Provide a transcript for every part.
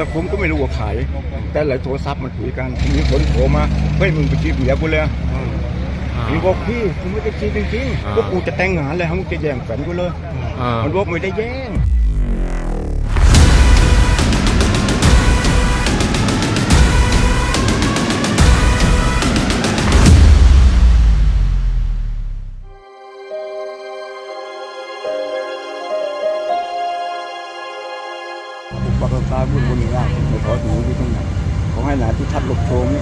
ผมก็ไม่รู้ว่าใครแต่หลายโทรศัพท์มันคุยกันมีคนโทรมาเฮ้ยมึงไปจีบเมียกูเลยมันบอกพี่กูไม่ได้จีบจริงๆว่ากูจะแต่งงานเลยมึงจะแย่งแฟนกูเลยมันบอกไม่ได้แย่งปากตาบุญบุญยากไม่ขอดูที่ตรงไหนขอให้หนาที่ทัดหลบโชม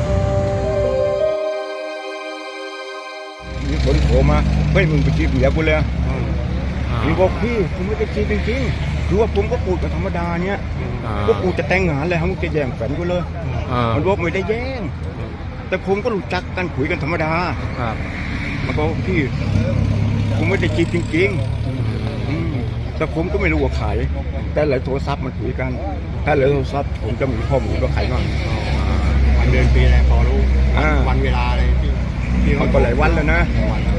มีคนโทรมาเฮ้ยมึงไปจีบเมียกูเลยมันบอกพี่กูไม่ได้จีบจริงๆคือว่าผมก็พูดกันธรรมดาเนี่ยว่ากูจะแต่งงานเลยมึงจะแย่งแฟนกูเลยมันบอกไม่ได้แย่งแต่ผมก็รู้จักกันคุยกันธรรมดามันบอกพี่กูไม่ได้จีบจริงๆแต่ผมก็ไม่รู้ว่าใครแต่หลายโทรศัพท์มันคุยกันถ้าหลายโทรศัพท์ผมจะมีข้อมูลว่าใครบ้างวันเดือนปีอะไรพอรู้วันเวลาอะไรที่มันก็หลายวันแล้วนะ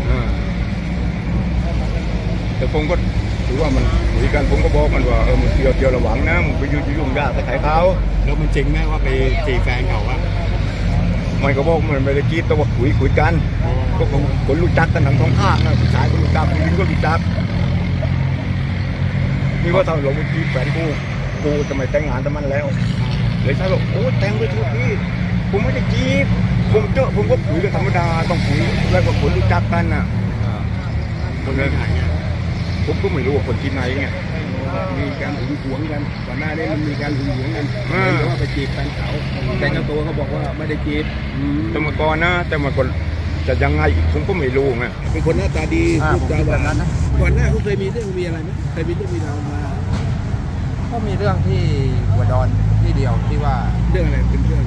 แต่ผมก็ถือว่ามันคุยกันผมก็บอกมันว่ามึงเที่ยวระวังนะมึงไปยุ่งยากแต่ใครเขาแล้วมันจริงไหมว่าไปจีบแฟนเขาอะมันก็บอกมันไม่ได้จีบแต่ว่าคุยกันก็คนรู้จักกันทั้งท้องข้างนะผู้ชายก็รู้จักผู้หญิงก็รู้จักนี่ว่าทำหลงไปจีบแฟนกูจะไม่แต่งงานแต่มันแล้วเลยใช่บอกโอ้แต่งไปทุกที่ผมไม่ได้จีบผมก็คุยกันธรรมดาต้องคุยแล้วก็คนรู้จักกันน่ะคนที่ไหนเนี่ยผมก็ไม่รู้ว่าคนที่ไหนเนี่ยมีการหึงหวงกันก่อนหน้านี้มันมีการหึงหวงกันหรือว่าไปจีบแฟนเขาแต่เจ้าตัวเขาบอกว่าไม่ได้จีบแต่เมื่อก่อนนะแต่เมื่อก่อนจะยังไงอีกผมก็ไม่รู้ไงเป็นคนหน้าตาดีพูดจาหวานก่อนหน้าเขาเคยมีเรื่องมีอะไรไหมเคยมีเรื่องมีราวมาก็มีเรื่องที่หัวดอนที่เดียวที่ว่าเรื่องอะไรเป็นเรื่อง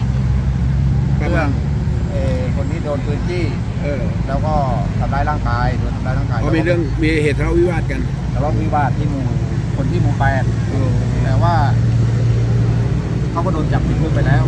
คนที่โดนปืนจี้แล้วก็ทำร้ายร่างกายโดนทำร้ายร่างกายมีเรื่องมีเหตุทะเลาะวิวาทกันทะเลาะวิวาทที่คนที่หมู่8แต่ว่าเขาก็โดนจับติดคุกไปแล้ว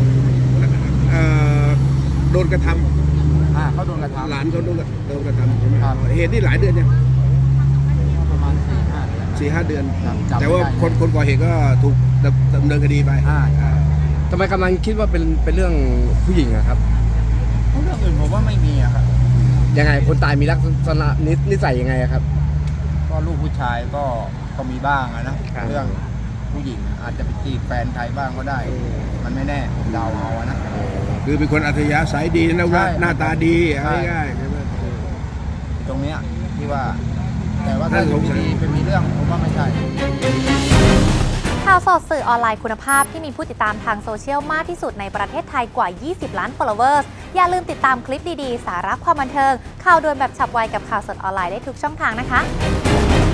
โดนกระทำเขาโดนกระทำหลานเขาโดนกระทำเหตุที่หลายเดือนยังประมาณ 4-5 เดือนแต่ว่าคนก่อเหตุก็ถูกดำเนินคดีไปทำไมกำลังคิดว่าเป็นเรื่องผู้หญิงอะครับเรื่องอื่นผมว่าไม่มีอะครับยังไงคนตายมีลักษณะนิสัยยังไงครับก็ลูกผู้ชายก็มีบ้างนะเรื่องผู้หญิงอาจจะไปจีบแฟนไทยบ้างก็ได้มันไม่แน่ผมเดาเอานะคือเป็นคนอัธยาศัยดีนะว่าหน้าตาดีง่ายๆตรงนี้ที่ว่าแต่ว่าถ้าเป็นมีเรื่องผมว่าไม่ใช่ข่าวสดสื่อออนไลน์คุณภาพที่มีผู้ติดตามทางโซเชียลมากที่สุดในประเทศไทยกว่า 20 ล้าน followers อย่าลืมติดตามคลิปดีๆ สาระความบันเทิงข่าวด่วนแบบฉับไวกับข่าวสดออนไลน์ได้ทุกช่องทางนะคะ